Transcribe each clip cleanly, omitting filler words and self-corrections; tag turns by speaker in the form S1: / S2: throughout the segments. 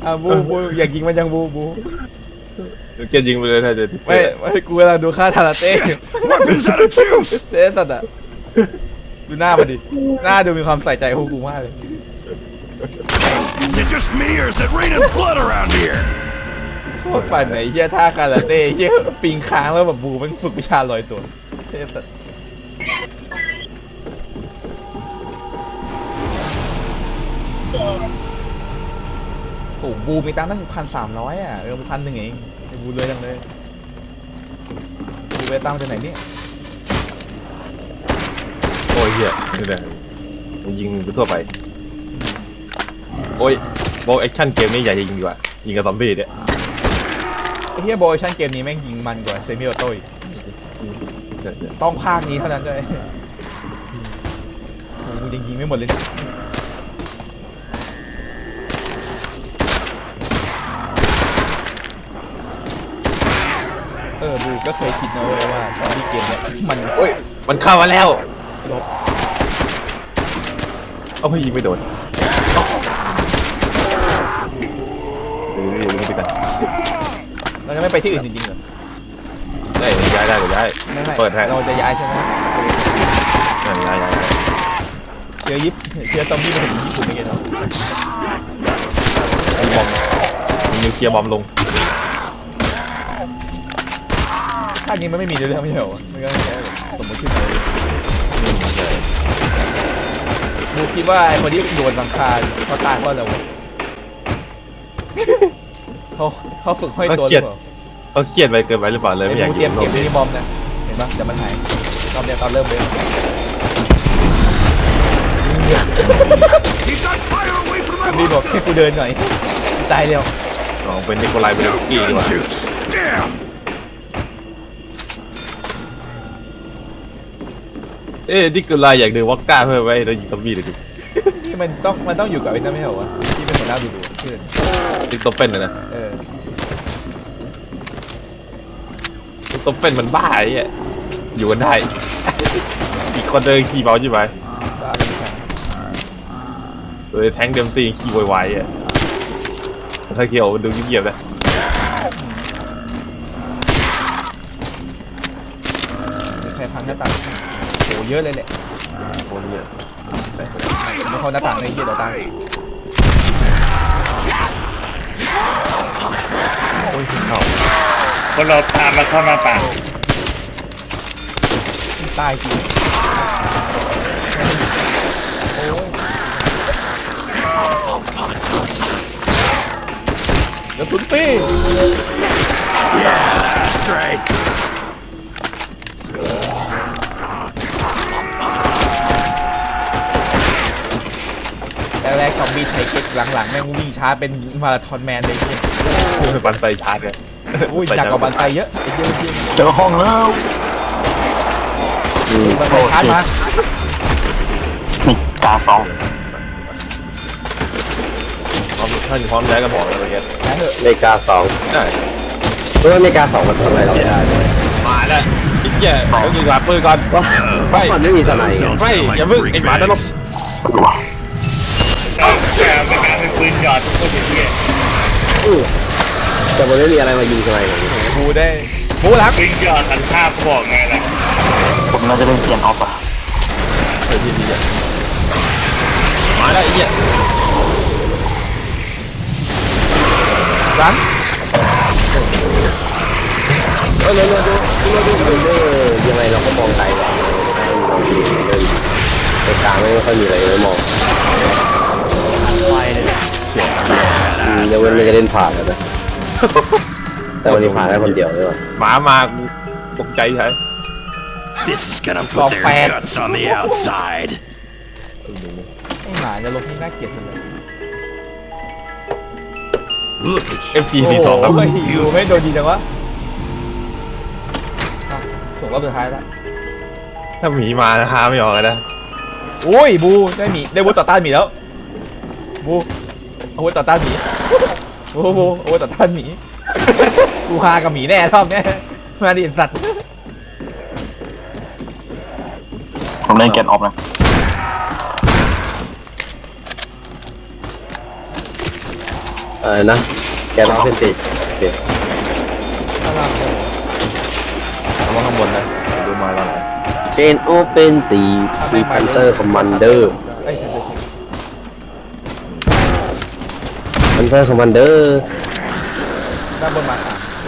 S1: บูอยากยิงมันยังบู
S2: เกียร์ยิงไปเลยถ้าจะ
S1: ไม่กูกำลังดูค่าทาราเต้
S3: Weapons out of juice!
S1: เต้สัตว์อะดูหน้ามันดิหน้าดูมีความใส่ใจพวกกูมากเลย
S3: Is it just me or is it raining blood around here?
S1: โคตรปั่นไหนเฮียท่าคาราเต้เฮียปิงค้างแล้วแบบบูมันฝึกวิชาลอยตัวเท่สัตว์โอ้บูมีตังค์ตั้ง1,300อ่ะ1,100เองบูเลยจังเลยบูไปตังค์จากไหนเนี่ย
S2: โอ้ยเหี้ยนี่แหละยิงไปทั่วไปโอ้ยโบแอคชั่นเกมนี้ใหญ่ยิงดีกว่ายิงกับซอมบี้เนี่ย
S1: ไอ้เฮียโบยชั่นเกมนี้แม่งยิงมันกว่าเซมิโอโต้อีกต้องภาคนี้เท่านั้นเลยโอ้กูยังยิงไม่หมดเลยเนี่ยบูก็เคยคิดนะเว้ยว่าตอนที่เกมเนี่ยมัน
S2: โอ้ยมันเข้ามาแล้ว
S1: ลบ
S2: เอาไปยิงไม่โดนยิงไปกัน
S1: เราจะไม่ไปที่อื่นจริงๆเหรอ
S2: ได้ย้ายได้หรือย้าย
S1: ไม่
S2: เปิดให้
S1: เราจะย้ายใช่ไหม
S2: ย้าย
S1: เชื้อซอมบี้มาถึงญี่ปุ่นไม่เกี่ยว
S2: มีบอมมีนิวเคลียร์บอมลง
S1: ภาคนี้มันไม่มีเรื่องไม่ใช่เหรอมันก็แค่สมมติขึ้นมาบูคิดว่าไอ้คนที่โดนหลังคาเขาตายเพราะอะไรวะเขาฝึกห้อยตัวหรือเปล่า
S2: เขาเครียดไปเกินไปหรือเปล่าเลย
S1: ไอ้
S2: ไม่อยาก
S1: บูเตรียมเก็บมินิบอมนะเห็นปะเดี๋ยวมันหายรอบเนี้ยตอนเริ่มเลย
S3: Keep that fire away from
S1: ซอ
S3: my
S1: มบี้บอกให้กูเดินหน่อยตายเร็ว
S2: เป็นนิโคลายเบลสกี้ดีก
S3: gun
S2: ว่า
S3: juice! Damn!
S2: นิโคลายอยากดูวอดก้าเพิ่มไว้แล้วยิงซอมบี้เลยดิ
S1: นี่มันต้องอยู่กับไอ้นั่นไม่ใช่เหรอวะที่เป็นหัวหน้าดูเพื่อน
S2: ยิงตัวเป็นเลยนะ ตัวเป็นมันบ้าไอ้เนี่ยอยู่กันได้ อีกคนเดินขี่เบาใช่ไหม
S1: บ้าเป็นใคร
S2: เลยแทงเดมซีขี่ไวๆอ่ะถ้าเกี่ยวดูเงียบๆนะ
S1: ใครพังหน้าต่างโหเยอะเลยแหละ
S2: โคนเยอะ
S1: ไม่เข้าหน้าต่างเลยเหี้ยเดี๋ยวตาย
S2: โอ้ยเข้า
S4: คนเราตามมาเข้ามาป่า
S1: ตายจริงโอ้ยเดี๋ยวตุ้นปี้
S3: That's right!
S1: แรกๆซอมบี้ไทยเก็ตหลังๆแม่งวิ่งช้าเป็นมาราธอนแมนเลยเนี่ย
S2: บันไซชาร์จเลย
S1: อุ้ยจากกว่าบันไซเยอะเยอะจริง
S4: เจอห้องแล้ว
S1: บันไซชาร์จมา
S4: นี่กาสอง
S2: ถ้าอยู่พร้อมย้ายกันบอกเลยเมื่อกี้
S1: แล้วเหอะ
S5: เมกาสอง
S2: ได้
S5: เพราะว่าเมกาสองมันทำอะไรเราไม่ได้เลย
S2: มาแล้วอีกแย่ต้องยิงหลับปืนก่อน
S5: ว่าเพราะมันไม่มีสไนด์ไง
S2: ไม่อย่าเพิ่งไอ้หมาตลก
S4: แต่ประกาศเป็นปืนหยอดทุกคนอย่างเงี้ย
S5: แต่มันไม่มีอะไรมายิงสไนด์เลย
S1: บูได้บูหลัง
S4: ปืนหยอดสันภาพบอกไงล่ะผมน่าจะเล่นเปลี่ยนออฟอ่ะ
S2: เฮ้ยดีอ่ะมาแล้วไอ้เหี้ย
S1: หลัง
S5: เรายังไงเราก็มองไกลแบบในกลางไม่ค่อยมีอะไรเลยมอง
S4: ไวเลย
S2: เสียง
S5: ยังไม่ได้เล่นผ่านเลยนะแต่วันนี้ผ่านแค่คนเดียวเลยว่ะ
S2: หมามาตกใจใช่
S3: This is gonna put their guts on the outside!
S1: ไอ้หมาจะลงที่น่าเกลียดจังเลย
S3: Look at
S2: เอ
S3: you!
S2: ฟจีซีสองครับ
S1: โอ้ยอยู่ไม่โดนดีจังวะส่งรอบสุดท้ายแล้ว
S2: ถ้าหมีมานะฮาไม่ออกเลยนะ
S1: โอ้ยบูได้หมีได้บูต่อต้านหมีแล้วบูอาวุธต่อต้านหมีบูอาวุธต่อต้านหมีกูฮากับหมีแน่รอบเนี้ยมาดิสัตว์
S4: ผมเล่นเกนออฟนะ
S1: เ
S5: นะแกนอเซนติโอเค
S1: ข้างล่างเนี่ย
S2: ระวังข้างบนนะดูมาแล้วไหน
S5: เกนโอเปนสีมีพันเตอร์คอมมานเดอร์
S1: เอ้ยใช่
S5: พันเตอร์คอมมานเดอร์
S1: ด้านบนมา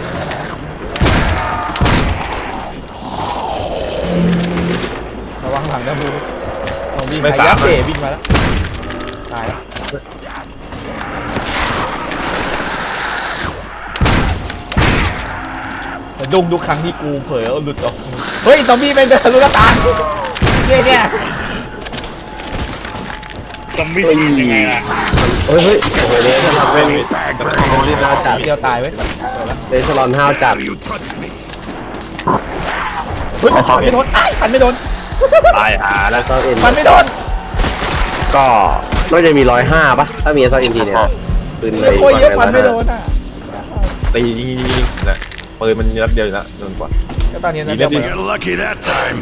S1: ระวังหลังนะบูซอมบี้ไฮยักษ์เตะวิ่งมาแล้วตายแล้วแต่ดุ้งทุกครั้งที่กูเผลอหลุดออกเฮ้ยซอมบี้เป็นเดินลูกตาเนี่ย
S4: ซอมบี้ยังไงล่ะ
S5: เฮ้ยโอ้โหเนี่ยสลับเป็นโอ้นี่น่าจัด
S1: เดียวตายเว้ย
S5: เดสลอนห้าวจัด
S3: You touch me.
S1: เฮ้ยฟันไม่โดนฟันไม่โดน
S2: ตายหาแล้ว
S5: เซาเอ็น
S1: ฟันไม่โดน
S5: ก็น่าจะมี105ป่ะถ้ามีเซาเอ็นทีเนี่ยปืนเลย
S1: โอ้ยเยอะฟันไม่โดนอ่ะ
S2: ตียิงนะปืนมันนัดเดียวอยู่แล้วโดนกว่า
S1: ก็ตอนนี้นะ
S2: ดี
S1: เดี๋ยว
S2: นะ
S3: Got lucky that time.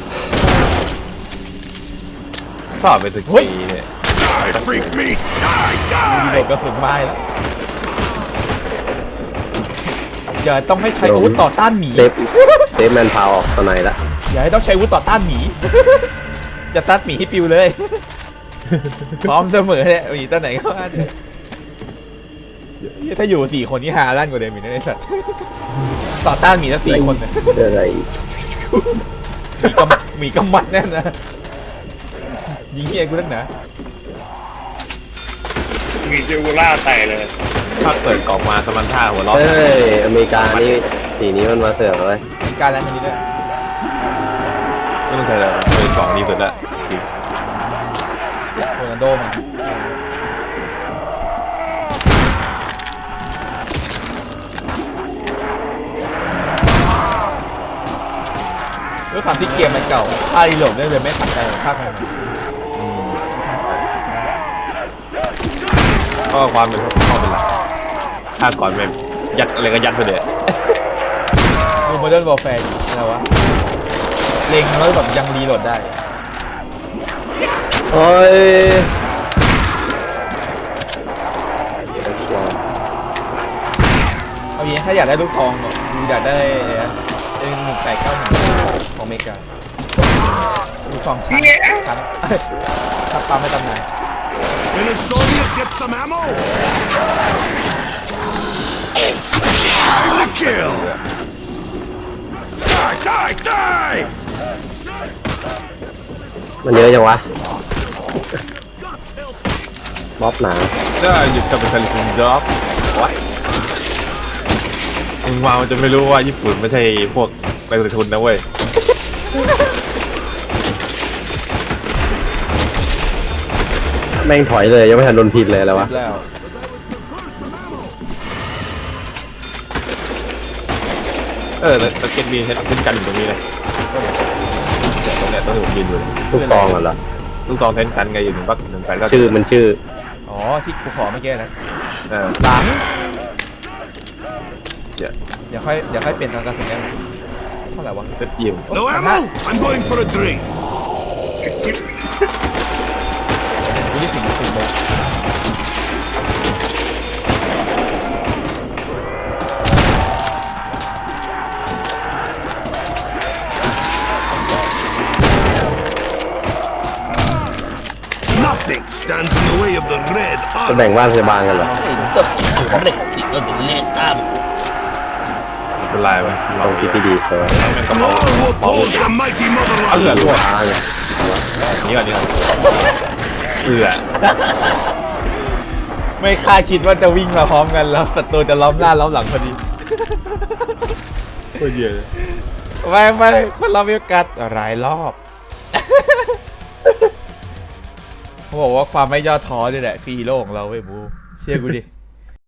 S2: ชอบเป็นสกีเนี่ย
S3: Die, freak meat. Die,
S1: โด
S3: die.
S1: นกระสุนไม้แล้วอย่าต้องให้ใช้อาวุธต่อต้านหมี
S5: เซฟแมนพาวออกตอนไหนละ
S1: อย่าให้ต้องใช้อาวุธต่อต้านหมี จะตัดหมีให้ปิวเลย พร้อมเสมอเนี่ยหมีตัวไหนก็ว่าเลยถ้าอยู่4 คนนี่หาลั่นกว่าเดิมอีกนะไอ้สัตว์ต่อต้านหมีทั้ง4 คนเนี่ย
S5: อะไร
S1: หมีกำมัดแน่นนะยิงเฮียกูตั้งหนา
S4: มีเจอูล่าใส่เลย
S2: ถ้าเปิดกล่องมาสมันท่าหัวล้อ
S5: เฮ้ยอเมริกานี่สีนี้มันมาเสือกเลย
S1: มีการแล้วอันนี้ด้วย
S2: ไม่ต้องใช้เลยเปิดกล่องดีสุดละ
S1: โรนัลโดมาด้วยความที่เกมมันเก่าค่ารีโหลดได้เลยไม่ขัดใจภาคใหม่
S2: ก็ความเป็นข้อเป็นหลักถ้าก่อนแบบยัดอะไรก็ยัดไปเลย
S1: ดูโมเดิร์นวอลแฟร์อะไรวะเล็งแล้วแบบยังรีโหลดได้
S5: โอ้ย
S1: เอาอย่างนี้ถ้าอยากได้ลูกทองเนี่ยดูอยากได้1891ของอเมริกาลูกทองชั้นทับปั๊มไม่ตำนาน
S3: Can a Soviet get some ammo? Time to kill. Die, die, die.
S5: มันเยอะจังวะบ๊อบหนา
S2: ก็หยุดกับเป็นคาลิฟอร์เนียจ็อบวะมึงมามันจะไม่รู้ว่าญี่ปุ่นไม่ใช่พวกไปลงทุนนะเว้ย
S5: แม่งถอยเลยยังไม่ทันโดนพินเลยแล้ววะ
S1: แล้ว
S2: แล้วตะเกียบมีเช่นกันอยู่ตรงนี้เลยตรงเนี้ยต้องอยู่ยืนอยู่
S5: ลูกซองเหรอ
S2: ลูกซองเทนกันไงอยู่1 8ก็
S5: ชื่อมันชื่อ
S1: อ๋อที่กูขอเมื่อกี้นะ
S2: หลัง
S1: เดี๋ยวค่อยเปลี่ยนตอนการแสดงเท่าไหร่วะ
S2: ก็ยิ้ม
S3: No ammo? I'm going for a drink.
S1: กูที่4 โมง
S3: Nothing stands in the way of the red
S5: จะ
S3: army.
S5: แบ่งบ้านพยาบาลกันเหรอ
S2: เป็นไรวะ
S5: ลองคิดที่ดีเออ
S3: All who oppose the mighty
S2: เอือ
S3: motherland.
S2: รั่ว
S5: ฟ้าไง
S2: นี่ก่อนเอือ
S1: ไม่คาดคิดว่าจะวิ่งมาพร้อมกันแล้วศัตรูจะล้อมหน้าล้อมหลังพอดี
S2: โคตรเยอะ
S1: ไม่คนเรามีโอกาสหลายรอบ เขาบอกว่าความไม่ย่อท้อนี่แหละคือฮีโร่ของเราเว้ยบูเชื่อกูดิ